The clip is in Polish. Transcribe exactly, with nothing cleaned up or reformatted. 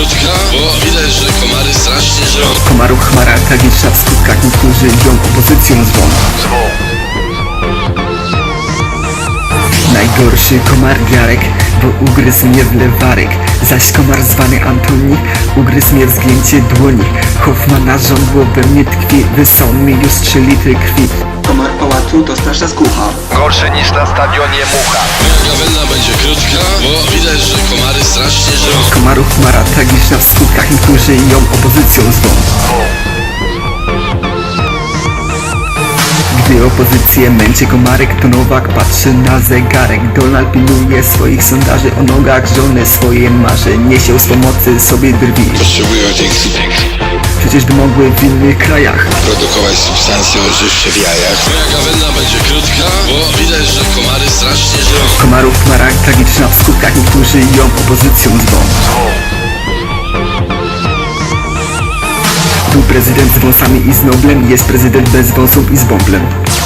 krótka, bo widać, że komary strasznie żrą. Komaru chmara tragiczna w skutkach, niektórzy ją opozycją zwą. Najgorszy komar Jarek, bo ugryzł mnie w lewarek. Zaś komar zwany Antoni ugryzł mnie w zgięcie dłoni. Hoffmana żądło we mnie tkwi, wysał mi już trzy litry krwi. Komar pałacu to straszna skucha. Gorszy niż na stadionie mucha. Moja gawenda będzie krótka, bo widać, że komary strasznie żrą. Komaru chmara tragiczna w skutkach, niektórzy ją opozycją zwą. Gdy opozycję męczy komarek, to Nowak patrzy na zegarek. Donald pilnuje swoich sondaży, o nogach żony swoje marzy. Niesie z pomocy sobie drwi, Potrzebują dzięki przecież by mogły w innych krajach. produkować substancje odżywcze w jajach. Moja gawenda będzie krótka, bo widać, że komary strasznie żrą. Komaru chmara tragiczna w skutkach, niektórzy ją opozycją zwą. Był prezydent z wąsami i z noblem, jest prezydent bez wąsów i z bąblem.